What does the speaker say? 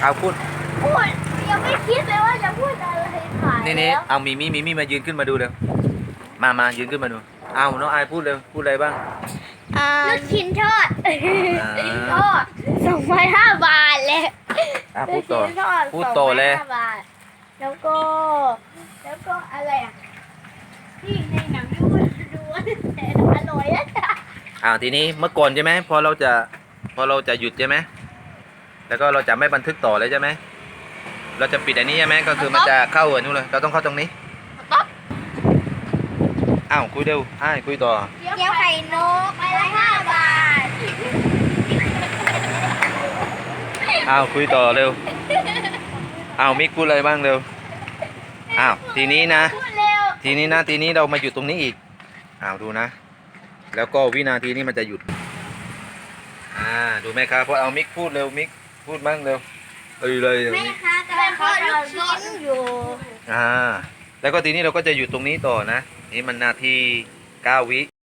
เอาพูดพูดยังไม่คิดเลยว่าจะพูดอะไรขายนี่แล้วเอามีมายืนขึ้นมาดูเร็วมายืนขึ้นมาดูเอาน้องอายพูดเร็วพูดอะไรบ้างลูกชิ้นทอดทอด2,500 บาทเลยพูดต่อลูกชิ้นทอดพูดต่อเลย 2,500 บาทแล้วก็อะไรอ่ะที่ในหนังดูแต่อร่อยอะทีนี้เมื่อก่อนใช่ไหมพอเราจะหยุดใช่ไหมแล้วก็เราจะไม่บันทึกต่อเลยใช่ไหมเราจะปิดอันนี้ใช่ไหมก็คือมันจะเข้าอันนู้นเลยเราต้องเข้าตรงนี้คุยเร็วคุยต่อเกี๊ยวไข่นกไปละ5 บาทคุยต่อเร็วมิกพูดอะไรบ้างเร็วทีนี้นะทีนี้เรามาหยุดตรงนี้อีกดูนะแล้วก็วินาทีนี้มันจะหยุดดูไหมครับพอเอามิกพูดเร็วมิกพูดบ้างเร็วเลยแม่ค้ากำลังทอดลูกชิ้นอยู่แล้วก็ทีนี้เราก็จะหยุดตรงนี้ต่อนะนี่มันนาที9 วิ